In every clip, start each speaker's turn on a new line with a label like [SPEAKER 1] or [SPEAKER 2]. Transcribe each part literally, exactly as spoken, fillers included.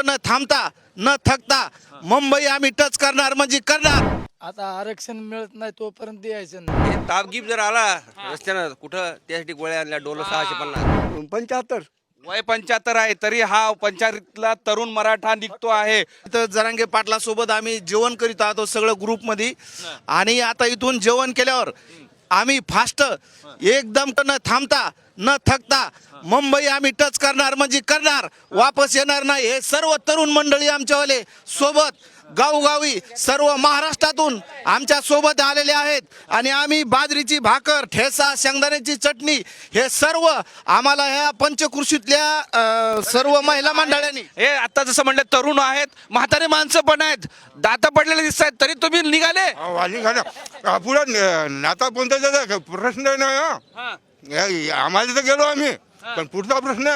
[SPEAKER 1] न थांबता न थकता मुंबई आम्ही टच करणार म्हणजे करणार।
[SPEAKER 2] आता आरक्षण मिळत नाही तोपर्यंत द्यायचं नाही।
[SPEAKER 3] हे तापगीप जर आला रस्त्यानं कुठं त्यासाठी गोळ्या आणल्या डोलो सहाशे पन्नास
[SPEAKER 4] पंच्याहत्तर
[SPEAKER 5] वय पंच्याहत्तर आहे तरी हा पंचायतीतला तरुण मराठा निघतो आहे।
[SPEAKER 1] इथं जरांगे पाटला सोबत आम्ही जेवण करीत आहोत सगळं ग्रुप मध्ये आणि आता इथून जेवण केल्यावर आम्ही फास्ट एकदम न थांबता न थकता मुंबई आम्ही टच करणार म्हणजे करणार, वापस येणार नाही। हे सर्व तरुण मंडळी आमच्यावाले सोबत गावोगावी सर्व महाराष्ट्रातून आमच्या सोबत आलेले आहेत आणि आम्ही बाजरीची भाकर, ठेचा, शेंगदाण्याची चटणी हे सर्व आम्हाला ह्या पंचकृषीतल्या अ, सर्व महिला मंडळांनी
[SPEAKER 5] हे आता जसं म्हणलं तरुण आहेत, म्हातारे माणसं पण आहेत, दाता पडलेले दिसत आहेत, तरी तुम्ही निघाले।
[SPEAKER 4] वाली घाला पुढं नाता कोणता प्रश्न नाही हा आम्हाला तर गेलो आम्ही पण पुढचा प्रश्न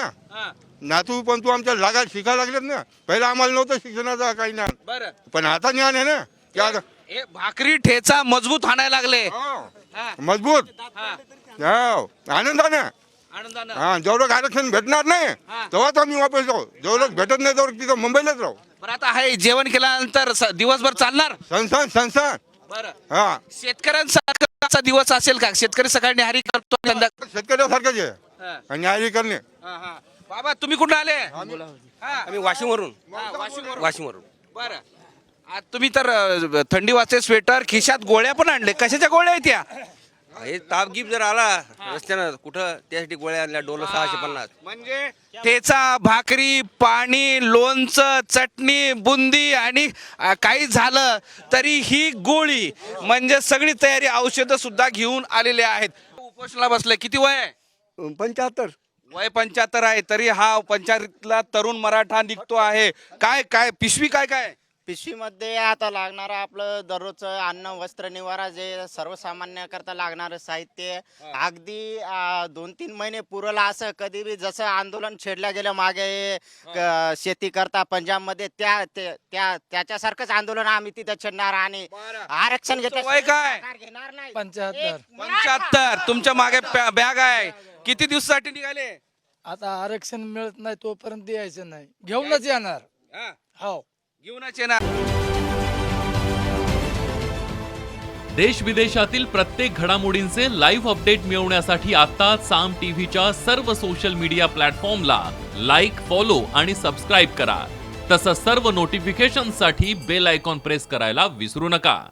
[SPEAKER 4] नातू पण तू आमच्या लागा शिकायला लागलेत ना। पहिला आम्हाला नव्हतं शिक्षणाचा काही ना,
[SPEAKER 5] बरं
[SPEAKER 4] पण आता ज्ञान आहे ना की आता
[SPEAKER 5] हे भाकरी ठेचा मजबूत आणायला लागले।
[SPEAKER 4] हो,
[SPEAKER 5] हा.
[SPEAKER 4] मजबूत
[SPEAKER 5] हा.
[SPEAKER 4] हो आनंदाने
[SPEAKER 5] आनंदानं
[SPEAKER 4] हा जेवढं आरक्षण भेटणार नाही
[SPEAKER 5] हा.
[SPEAKER 4] तेव्हाच आम्ही वापस जाऊ, जेवढं भेटत नाही तेवढं तिथं मुंबईलाच राहू।
[SPEAKER 5] बरं आता हे जेवण केल्यानंतर स- दिवसभर चालणार।
[SPEAKER 4] संस्थान संस्थान
[SPEAKER 5] बरं
[SPEAKER 4] हा
[SPEAKER 5] शेतकऱ्यांचा दिवस असेल का? शेतकरी सकाळी न्याहारी करतो संध्याकाळी-
[SPEAKER 4] शेतकऱ्यासारखंच आहे
[SPEAKER 5] हा.
[SPEAKER 4] आणि न्याय करणे।
[SPEAKER 5] हा, हा. बाबा तुम्ही कुठं आले? हा.
[SPEAKER 3] आम्ही वाशिमवरून
[SPEAKER 5] हा, वाशिमवरून.
[SPEAKER 3] वाशिमवरून
[SPEAKER 5] बरं आज तुम्ही तर अ, थंडी वाजते स्वेटर, खिशात गोळ्या पण आणले, कशाच्या गोळ्या आहेत त्या?
[SPEAKER 3] हे तापगीप जर आला रस्त्यानं कुठं त्यासाठी गोळ्या आणल्या डोलो सहाशे पन्नास
[SPEAKER 5] म्हणजे ठेचा, भाकरी, पाणी, लोणचं, चटणी, बुंदी आणि अ, काही झालं तरी ही गोळी म्हणजे सगळी तयारी, औषधं सुद्धा घेऊन आलेले आहेत। उपोषणाला बसले, किती वय आहे?
[SPEAKER 4] पंच्याहत्तर
[SPEAKER 5] वय पंच्याहत्तर आहे तरी हा पंचायतीतला तरुण मराठा निघतो आहे। काय काय पिशवी काय काय?
[SPEAKER 6] पिशवीमध्ये आता लागणारं आपलं दररोजचं अन्न, वस्त्र, निवारा जे सर्वसामान्य करता लागणारं साहित्य अगदी आ, दोन तीन महिने पुरलं असं कधी बी जसं आंदोलन छेडल्या गेलं मागे क- शेती करता पंजाबमध्ये त्या ते- त्या त्याच्यासारखंच आंदोलन आम्ही तिथे छेडणार आणि आरक्षण
[SPEAKER 5] तुमचं वय काय?
[SPEAKER 6] घेणार नाही।
[SPEAKER 2] पंच्याहत्तर
[SPEAKER 5] पंच्याहत्तर तुमच्या मागे प्या- बॅग आहे। किती दिवसासाठी निघाले?
[SPEAKER 2] आता आरक्षण मिळत नाही तोपर्यंत द्यायचं नाही, घेऊनच येणार।
[SPEAKER 5] हा,
[SPEAKER 2] हो
[SPEAKER 5] घेऊनच येणार।
[SPEAKER 7] देश विदेशातील प्रत्येक घडामोडींचे लाईव्ह अपडेट मिळवण्यासाठी आता साम टीव्हीच्या सर्व सोशल मीडिया प्लॅटफॉर्मला लाईक, फॉलो आणि सबस्क्राईब करा। तसंच सर्व नोटिफिकेशनसाठी बेल आयकॉन प्रेस करायला विसरू नका।